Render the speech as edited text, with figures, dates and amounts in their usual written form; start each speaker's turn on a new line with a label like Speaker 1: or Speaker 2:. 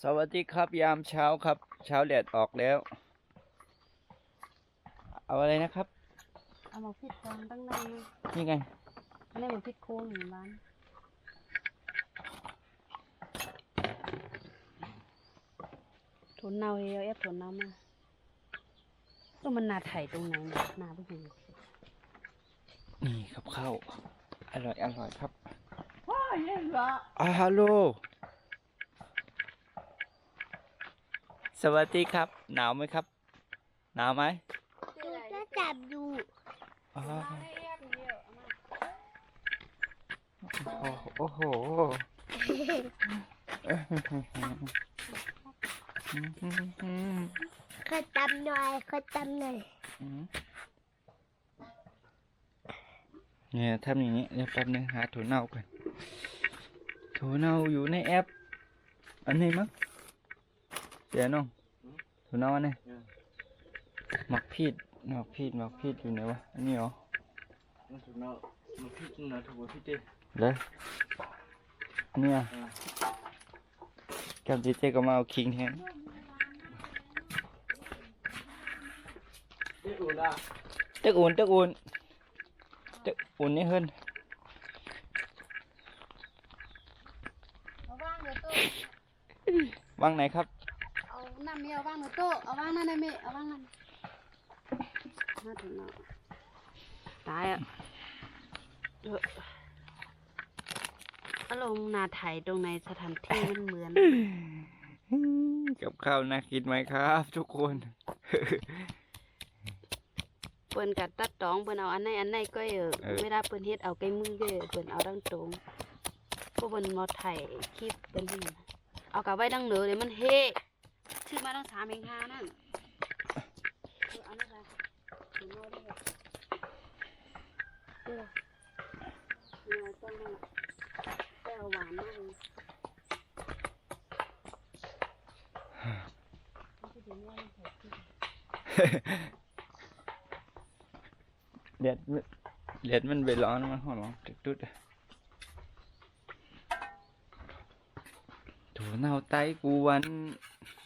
Speaker 1: สวัสดีครับยามเช้าครับเช้าแดดออกแล้วเอาอะไรนะครับ
Speaker 2: เอามาพิดกองตั้งนาน
Speaker 1: นี่ไง
Speaker 2: อันนี้มันพิดโค้งอยู่บ้านทุนเนาเฮียเอฟทุนเนามาก็มันนาไถ่ตรงไหนเนี่ยนาไม่เห็น
Speaker 1: นี่ครับข้าวอร่อยครับ
Speaker 2: ว้าเย็นละ
Speaker 1: ฮัลโหลสวัสดีครับหนาวไหมครับหนาวไหม
Speaker 3: ก็จับอยู่
Speaker 1: โอ้โห
Speaker 3: ขอจำหน่อย
Speaker 1: เนี่ยทำอย่างนี้เดี๋ยวแป๊บนึงหาถั่วเน่าก่อนถั่วเน่าอยู่ในแอปอันนี้มั้งเดี๋ยวน้องถั่วเน่าอันนี้หมักพีดอยู่ไหนวะอันนี้เหรอถั่วเน่าหมักพีดนะถั่วพีดเลยเนี่ยกับเจ๊ก็มาเอาคิงแทนตึกอุ่นนี่เฮิรน
Speaker 2: เอาว่างเดี๋ยวโต๊ะ
Speaker 1: วางไหนครับ
Speaker 2: เอาน้ำเมียเอาว่างเดี๋ยวโต๊ะเอาว่างนั่นเลยเมียเอาว่างนั่นน่าถึงเนาะตายอ่ะอารมณ์นาไถ่ตรงในสถานที่มันเหมือน
Speaker 1: กับข้าวน่ากินไหมครับทุกคน
Speaker 2: เปิ้นกัดตัดตองเปิ้นเอาอันไหนก็ไม่ได้เปิ้นเฮ็ดเอาไก่มือก็เปิ้นเอาดังตรงพวกเปิ้นมาถ่ายคลิปเปิ้นนี่เอากลับไว้ดังเหนือเดี๋ยวมันเฮชื่อมาตั้ง3 เอง5นั่นเอานั่นไปถึงโน่นได้เลยเนี่ยต้นนั่นแก้วหวานมากเลย
Speaker 1: เด็ดมันไปร้อนมันหอร้อนตุ๊ดถั่วเน่าไต้กวน